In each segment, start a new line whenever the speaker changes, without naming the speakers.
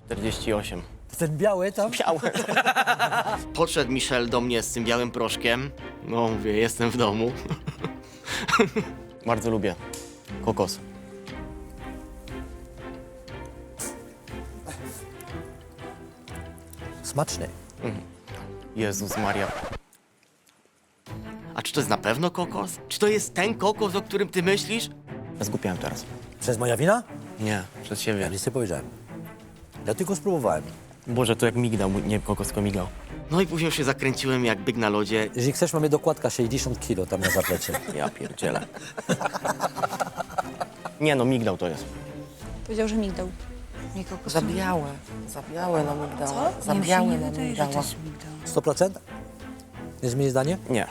48.
Ten biały tam?
Białe. Podszedł Michel do mnie z tym białym proszkiem. No mówię, jestem w domu. Bardzo lubię kokos.
Smaczny.
Jezus Maria. A czy to jest na pewno kokos? Czy to jest ten kokos, o którym ty myślisz? Zgupiłem teraz.
Przez moja wina?
Nie, przez siebie.
Ja nic nie powiedziałem. Ja tylko spróbowałem.
Boże, to jak migdał, nie kokos, tylko migdał. No i później już się zakręciłem jak byk na lodzie.
Jeżeli chcesz, mamy dokładka 60 kilo tam na zaplecie.
Ja pierdzielę. Nie no, migdał to jest.
Powiedział, że migdał. Nie kokos.
Za białe na migdała.
Co?
Za
Nie, mi się
białe
nie
na
wydaje, że to
migdała.
jest migdał.
100%? Nie zmieni zdanie?
Nie.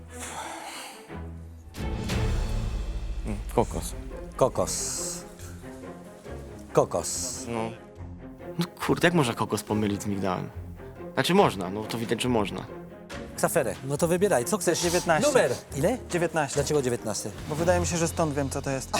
Kokos.
Kokos. Kokos.
No. No kurde, jak można kokos pomylić z migdałem? Znaczy można, no to widać, że można.
Ksaferę. No to wybieraj, co chcesz?
19.
Numer. Ile?
19.
Dlaczego 19?
Bo wydaje mi się, że stąd wiem, co to jest.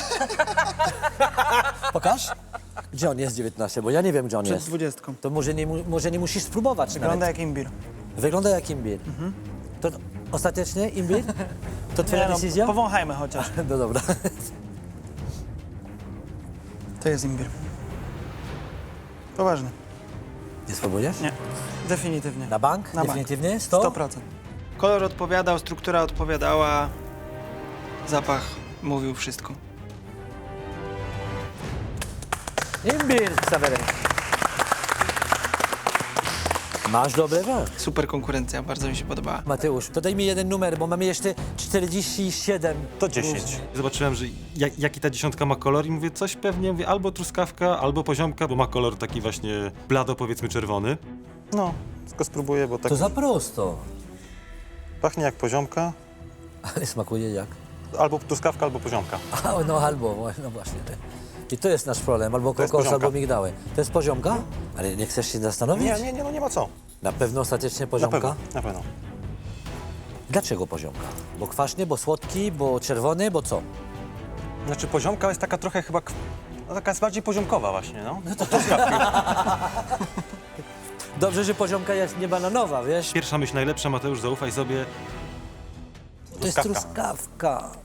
Pokaż. Gdzie on jest 19? Bo ja nie wiem, gdzie on
Przed
jest.
20.
To może nie musisz spróbować
Wygląda
nawet.
jak imbir.
Wygląda jak imbir. To ostatecznie imbir? To twoja
Nie,
decyzja?
powąchajmy chociaż.
No dobra.
To jest imbir. Poważnie.
Nie spróbujesz?
Nie. Definitywnie.
Na bank?
Na bank.
Definitywnie? 100?
100%. Kolor odpowiadał, struktura odpowiadała, zapach mówił wszystko.
Imbir, Ksawery. Masz dobry węch.
Super konkurencja, bardzo mi się podobała.
Mateusz, to daj mi jeden numer, bo mamy jeszcze 47.
To 10. Zobaczyłem, że jaki ta dziesiątka ma kolor i mówię, coś pewnie, mówię, albo truskawka, albo poziomka, bo ma kolor taki właśnie blado, powiedzmy czerwony. No, tylko spróbuję, bo tak
To za prosto.
pachnie jak poziomka,
Ale smakuje jak?
albo truskawka, albo poziomka.
No albo, no właśnie. I to jest nasz problem, albo
To jest
kokos,
poziomka.
albo migdały. To jest poziomka? Ale nie chcesz się zastanowić?
Nie, no nie ma co.
Na pewno ostatecznie
Na
poziomka?
pewno, na pewno.
Dlaczego poziomka? Bo kwaśny, bo słodki, bo czerwony, bo co?
Znaczy poziomka jest taka trochę chyba, no, taka jest bardziej poziomkowa właśnie, no.
Dobrze, że poziomka jest nie bananowa, wiesz?
Pierwsza myśl najlepsza, Mateusz, zaufaj sobie.
To jest truskawka.